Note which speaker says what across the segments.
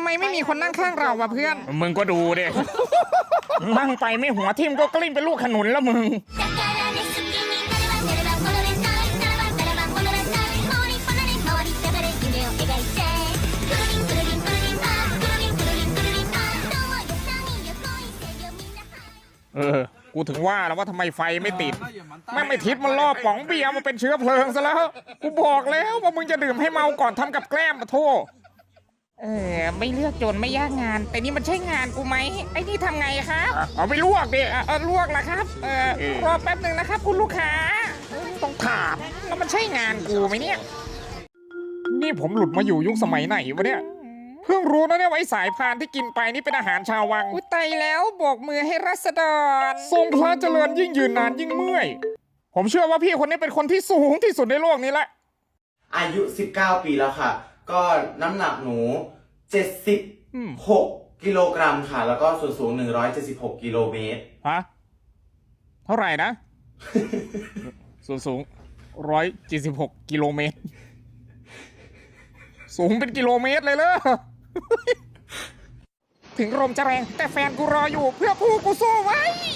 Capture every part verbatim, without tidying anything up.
Speaker 1: ไมไม่มีคนนั่งข้างเราวะเพื่อน
Speaker 2: มึงก็ดูดิ นั่งไปไม่หัวทิ่มก็กลิ้งเป็นลูกขนุนแล้วมึงเออกูถึงว่าแล้วว่าทำไมไฟไม่ติดแม่งไม่ทิศมันล่อป๋องเบียร์มาเป็นเชื้อเพลิงซะแล้วกูบอกแล้วว่ามึงจะดื่มให้เมาก่อนทำกับแกล้มมาโทษ
Speaker 1: เออไม่เลือกจนไม่ยากงานแต่นี่มันใช่งานกูไหมไอ้นี่ทำไงครับ
Speaker 2: เอาไปลวกดิ
Speaker 1: เออลวกละครับเออรอแป๊บหนึ่งนะครับคุณลูกค้า
Speaker 2: ต้องถาม
Speaker 1: แล้วมันใช่งานกูไหมเนี่ย
Speaker 2: นี่ผมหลุดมาอยู่ยุคสมัยไหนวะเนี่ยเพิ่งรู้นะเนี่ยว่าไอ้สายพานที่กินไปนี่เป็นอาหารชาววัง
Speaker 1: อุ้ยตายแล้วโบกมือให้รัษฎร
Speaker 2: ทรงพระเจริญยิ่งยืนนานยิ่งเมื่อยผมเชื่อว่าพี่คนนี้เป็นคนที่สูงที่สุดในโลกนี้แหละ
Speaker 3: อายุสิบเก้าปีแล้วค่ะก็น้ำหนักหนูเจ็ดสิบหกกิโลกรัมค่ะแล้วก็ส่วนสูงหนึ่งร้อยเจ็ดสิบหกกิโลเมตร
Speaker 2: ฮะเท่าไหร่นะ ส่วนสูงร้อยเจ็ดสิบหกกิโลเมตรสูงเป็นกิโลเมตรเลยเลย
Speaker 1: ถึงลมจะแรงแต่แฟนกูรออยู่เพื่อผู้กูสู้ไว้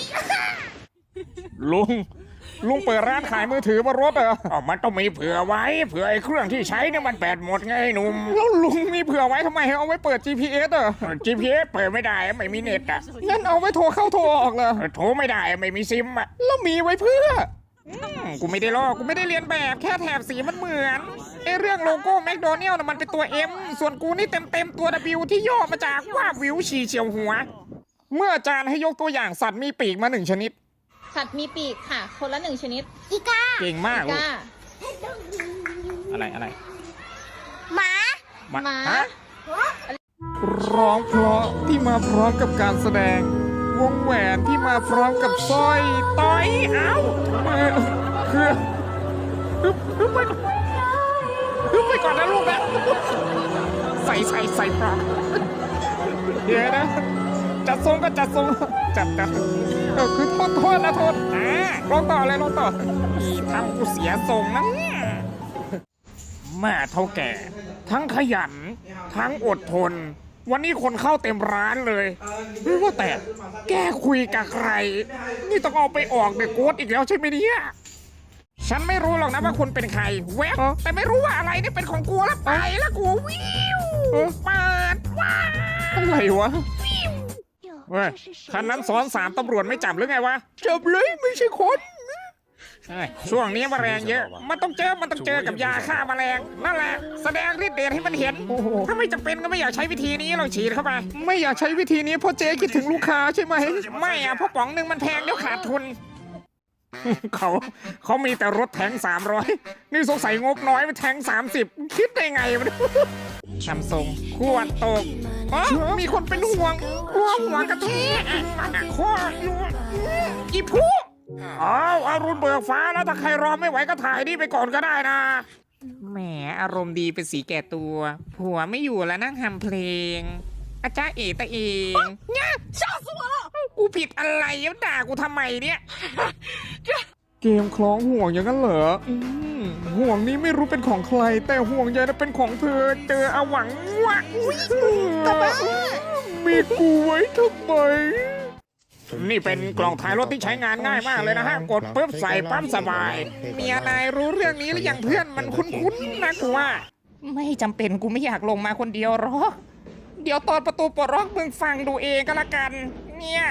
Speaker 2: ลุงลุงเปิดร้านขายมือถือบนรถเหรออ๋อมันต้องมีเผื่อไว้เผื่อไอ้เครื่องที่ใช้เนี่ยมันแบตหมดไงหนุ่มแล้วลุงมีเผื่อไว้ทำไมเอาไว้เปิด จี พี เอส เหรอ จี พี เอส เปิดไม่ได้ไม่มีเน็ตอ่ะ
Speaker 1: งั้นเอาไว้โทรเข้าโทรออกเลย
Speaker 2: โทรไม่ได้ไม่มีซิมอ่ะ
Speaker 1: แล้วมีไว้เพื่อกูไม่ได้ลอกกูไม่ได้เรียนแบบแค่แถบสีมันเหมือนไอเรื่องโลโก้แมคโดนัลด์มันเป็นตัว M ส่วนกูนี่เต็มเต็มตัว W ที่ย่อมาจากว่าวิวฉี่เฉียวหัว
Speaker 2: เมื่ออาจารย์ให้ยกตัวอย่างสัตว์มีปีกมาหนึ่งชนิด
Speaker 4: สัตว์มีปีกค่ะคนละหนึ่งชนิด
Speaker 5: อีกา
Speaker 2: เก่งมาก
Speaker 4: อีกา
Speaker 2: อะไรอะไร
Speaker 5: หมา
Speaker 4: หมา
Speaker 2: ฮะร้องเพราะที่มาพร้อมกับการแสดงวงแหวนที่มาพร้อมกับสร้อยต้อยเอ้าคือฮึบฮึบไปก่อนฮึบไปก่อนนะลูกนะใส่ใส่ใส่ปลอกเดี๋ยวนะจัดทรงก็จัดทรงจัดจัดเออคือโทษโทษนะโทษอ่าลองต่อเลยลองต่ออีทำกูเสียทรงนะเนี่ยแม่เท่าแก่ทั้งขยันทั้งอดทนวันนี้คนเข้าเต็มร้านเลยไม่ว่าแต่แกคุยกับใครนี่ต้องเอาไปออกเด็กโกดอีกแล้วใช่ไหมเนี่ย
Speaker 1: ฉันไม่รู้หรอกนะว่าคุณเป็นใครเว็บแต่ไม่รู้ว่าอะไรนี่เป็นของกูแล้วไปแล้วกูวิวเปิดว้า
Speaker 2: อะไรวะเว้ยคันนั้นซ้อนสามตำรวจไม่จับหรือไงวะ
Speaker 1: จับเลยไม่ใช่คน
Speaker 2: ช่วงนี้แมลงเยอะมันต้องเจอมันต้องเจอกับยาฆ่าแมลงนั่นแหละแสดงฤทธิ์เดชให้มันเห็นถ้าไม่จำเป็นก็ไม่อยากใช้วิธีนี้เราฉีดเข้าไป
Speaker 1: ไม่อยากใช้วิธีนี้เพราะเจ๊คิดถึงลูกค้าใช่ไหม
Speaker 2: ไม่อะเพราะป๋องหนึ่งมันแพงแล้วขาดทุนเขาเขามีแต่รถแทงสามร้อยนี่สงสัยงบน้อยไปแทงสามสิบคิดได้ไงวะ
Speaker 1: ทำทรง
Speaker 2: ขวดตก
Speaker 1: มีคนเป็นห่วงกลัวหัวกระแทก
Speaker 2: ข้ออยู่อีผู้อ้าวอรุณเบิกฟ้าแล้วถ้าใครรอไม่ไหวก็ถ่ายนี่ไปก่อนก็ได้นะ
Speaker 1: แหมอารมณ์ดีเป็นสีแก่ตัวผัวไม่อยู่แล้วนั่งทำเพลงอาจารย์เอตะเองเนี่ยชาสัวกูผิดอะไรแล้วด่ากูทำไมเนี่ย
Speaker 2: เกมคล้องห่วงอย่างนั้นเหรอห่วงนี้ไม่รู้เป็นของใครแต่ห่วงใยนั้นเป็นของเธอเจออาหวังวะ
Speaker 1: ทำไม
Speaker 2: มีกูไว้ทำไมนี่เป็นกล่องถ่ายรถที่ใช้งานง่ายมากเลยนะฮะกดปุ๊บใส่ปั๊มสบาย
Speaker 1: เมียนายรู้เรื่องนี้หรือยังเพื่อนมันคุ้นๆนะกูว่าไม่จำเป็นกูไม่อยากลงมาคนเดียวหรอกเดี๋ยวตอนประตูปลดล็อกมึงฟังดูเองก็แล้วกันเนี่ย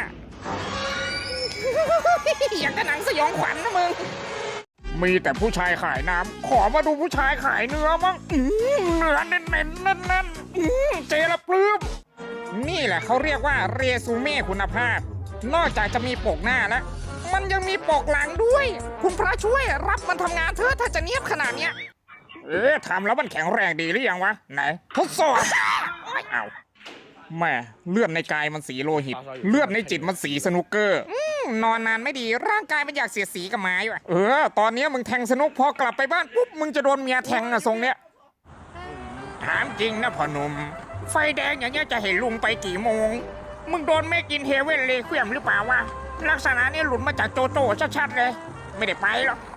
Speaker 1: อย่างกระหนังสยองขวัญนะมึง
Speaker 2: มีแต่ผู้ชายขายน้ำขอมาดูผู้ชายขายเนื้อมั้งเนื้อเน้นๆนั่นๆเจละปลื้ม
Speaker 1: นี่แหละเขาเรียกว่าเรซูเม่คุณภาพนอกจากจะมีปกหน้าแล้วมันยังมีปกหลังด้วยคุณพระช่วยรับมันทำงานเถอะถ้าจะเนียบขนาดเนี้ย
Speaker 2: เอ๊ะทำแล้วมันแข็งแรงดีหรือยังวะไหนทดสอบเอาแม่เลือดในกายมันสีโลหิตเลือดในจิตมันสีสนุกเกอร์
Speaker 1: นอนนานไม่ดีร่างกายมันอยากเสียสีกับไม้ว่ะ
Speaker 2: เออตอนนี้มึงแทงสนุกพอกลับไปบ้านปุ๊บมึงจะโดนเมียแทงอะทรงเนี้ยถามจริงนะพ่อหนุ่มไฟแดงอย่างเงี้ยจะเห็นลุงไปกี่โมงมึงโดนแม่กินเฮเว่นเลยเคลื่อนหรือเปล่าวะลักษณะนี้หลุดมาจากโจโจ้ชัดๆเลยไม่ได้ไปหรอก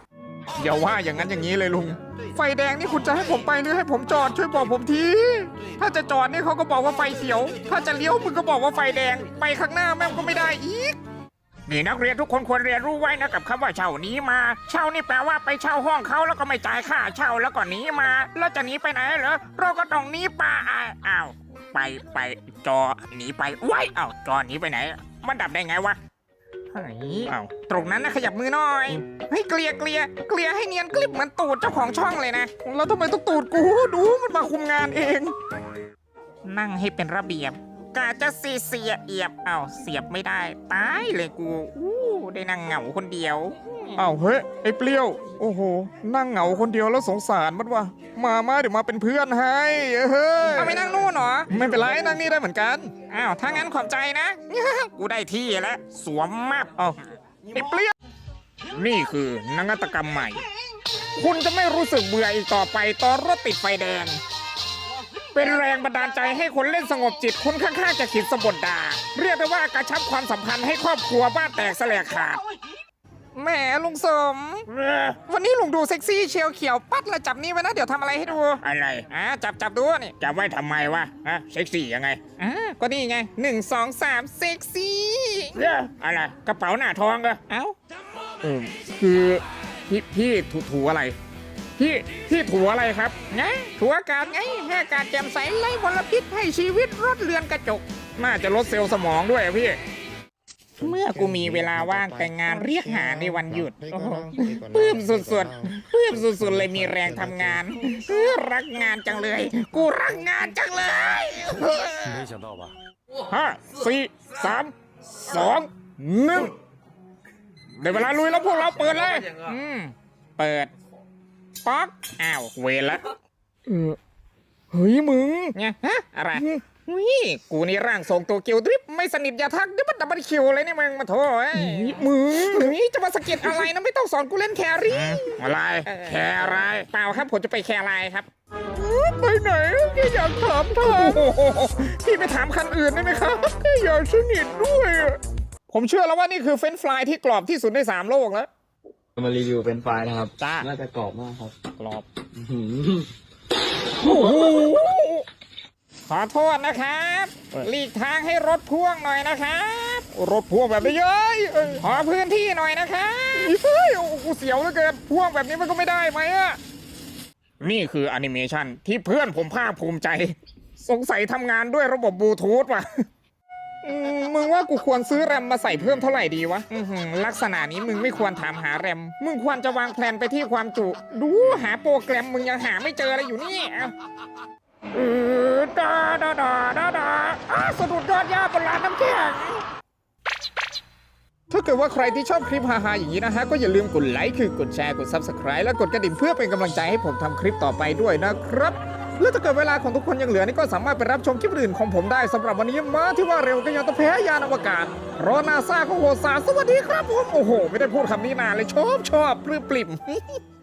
Speaker 2: อย่าว่าอย่างนั้นอย่างนี้เลยลุง ไฟแดงนี่คุณจะให้ผมไปหรือให้ผมจอดช่วยบอกผมที ถ้าจะจอดนี่เขาก็บอกว่าไฟเขียว ถ้าจะเลี้ยวมึงก็บอกว่าไฟแดง ไปข้างหน้าแม่งก็ไม่ได้อีก
Speaker 1: นี่นักเรียนทุกคนควรเรียนรู้ไว้นะกับคำว่าเช่าหนี้มา เช่านี่แปลว่าไปเช่าห้องเขาแล้วก็ไม่จ่ายค่าเช่าแล้วก็หนีมา แล้วจะหนีไปไหนเหรอเราก็ต้องหนีป่าอ้าวไปไปจอหนีไปไว้อ้าวจอหนีไปไหน มันดับได้ไงวะเฮ้ยอ้าวตรงนั้นนะขยับมือหน่อยเฮ้ยเกลียเกลียเกลียให้เนียนกลิบเหมือนตูดเจ้าของช่องเลยนะ
Speaker 2: แล้วทำไมต้องตูดกูดูมันมาคุมงานเอง
Speaker 1: นั่งให้เป็นระเบียบกาจะเสียเสียเอียบอ้าวเสียบไม่ได้ตายเลยกูอู้ได้นั่งเหงาคนเดียว
Speaker 2: อ้าวเฮ้ยไอ้เปรี้ยว โอ้โห นั่งเหงาคนเดียวแล้วสงสารมันว่ะมามาเดี๋ยวมาเป็นเพื่อนให้เฮ้ย
Speaker 1: เอาไปนั่งนู่นเหรอ
Speaker 2: ไม่เป็นไรนั่งนี่ได้เหมือนกัน
Speaker 1: อ้าว ถ้างั้นขอบใจนะ กูได้ที่แล้ว สวมมาบ
Speaker 2: อ้าวไอ้เปรี้ยว
Speaker 1: นี่คือนวัตกรรมใหม่ คุณจะไม่รู้สึกเบื่ออีกต่อไปตอนรถติดไฟแดง เป็นแรงบันดาลใจให้คนเล่นสงบจิตคนข้างๆจะขิดสะบดด่า เรียกได้ว่ากระชับความสัมพันธ์ให้ครอบครัวบ้านแตกแสลกขาด
Speaker 2: แหมลุงสม วันนี้ลุงดูเซ็กซี่เชียวเขียวปัดละจับนี่ไว้นะเดี๋ยวทำอะไรให้ดู
Speaker 1: อะไร
Speaker 2: อ่าจับจับดูนี่
Speaker 1: จะไว้ทำไมวะฮะเซ็กซี่ยังไง
Speaker 2: อ่าก็นี่ไงหนึ่งสองสามเซ็กซี่
Speaker 1: เอ้ออะไร กระเป๋าหน้าทองเหรอ
Speaker 2: เอ้า
Speaker 1: เออคือพี่พี่ถูถูอะไร พี่พี่ถูอะไรครับ
Speaker 2: ไงถัวอากาศไงให้อากาศแจ่มใสไร้มลพิษให้ชีวิตรถเรือนกระจก
Speaker 1: น่าจะลดเซลล์สมองด้วยอะพี่ เมื่อกูมีเวลาว่างแต่งงานเรียกหาในวันหยุดโอ้โหปลื้มสุดๆปลื้มสุดๆเลยมีแรงทำงานเออรักงานจังเลย กูรักงานจังเลยห้าสี่สามสองหนึ่งได้เวลาลุยแล้วพวกเราเปิดเลย อืมเปิดป๊อกอ้าวเวรละ
Speaker 2: เออเฮ้ยมึง
Speaker 1: เนี่ยฮะอะไรวิกูนี่ร่างทรงตัวเกียวดริฟไม่สนิทอย่าทักเดี๋ยวมันดับเบิลคิวเลยนี่มึงมาโถเอ้ย
Speaker 2: มึง
Speaker 1: เฮ้ยจะมาสะกิดอะไรนะไม่ต้องสอนกูเล่นแครี่อะไรแคร์อะไรเปล่าครับผมจะไปแคร์อะไรครับ
Speaker 2: ไปไหนแค่อยากถามทาง
Speaker 1: โอ้โหพี่ไปถามคันอื่นได้ไหมครับ
Speaker 2: แค่อยากสนิทด้วยอะ
Speaker 1: ผมเชื่อแล้วว่านี่คือเฟรนช์ฟรายที่กรอบที่สุดในสามโลกแล้ว
Speaker 6: มารีวิวเป็นไฟล์นะครับ
Speaker 1: จ้า
Speaker 6: น่าจะกรอบมากครับ
Speaker 1: กรอบ
Speaker 6: อื้อหือ
Speaker 1: โอ้โหขอโทษนะครับหลีกทางให้รถพ่วงหน่อยนะครับ
Speaker 2: รถพ่วงแบบนี้เย้ยเอ้ย
Speaker 1: ขอพื้นที่หน่อยนะครับ
Speaker 2: เฮ้ยโอ้โหกูเสียวเหลือเกินพ่วงแบบนี้มันก็ไม่ได้ไหมอะ
Speaker 1: นี่คือแอนิเมชันที่เพื่อนผมภาคภูมิใจ สงสัยทำงานด้วยระบบบลูทูธว่ะ
Speaker 2: อืมมึงว่ากูควรซื้อแรมมาใส่เพิ่มเท่าไหร่ดีวะ
Speaker 1: อื้อหือลักษณะนี้มึงไม่ควรถามหาแรม มึงควรจะวางแผนไปที่ความจุ ดูหาโปรแกรมมึงยังหาไม่เจออะไรอยู่นี่เอ้าเออดาดาดาดาดาอ้าสะดุดยอดหญ้าบนลานน้ำแข็ง
Speaker 2: ถ้าเกิดว่าใครที่ชอบคลิปฮาๆอย่างนี้นะฮะก็อย่าลืมกดไลค์คือกดแชร์กด Subscribe และกดกระดิ่งเพื่อเป็นกำลังใจให้ผมทำคลิปต่อไปด้วยนะครับและถ้าเกิดเวลาของทุกคนยังเหลือนี่ก็สามารถไปรับชมคลิปอื่นของผมได้สำหรับวันนี้มาที่ว่าเร็วก็ยังต้องแพ้ยานอวกาศเพราะนาซาของโหดสารสวัสดีครับผมโอ้โห ไม่ได้พูดคำนี้นานเลยชอบชอบปลื้มปลิ่ม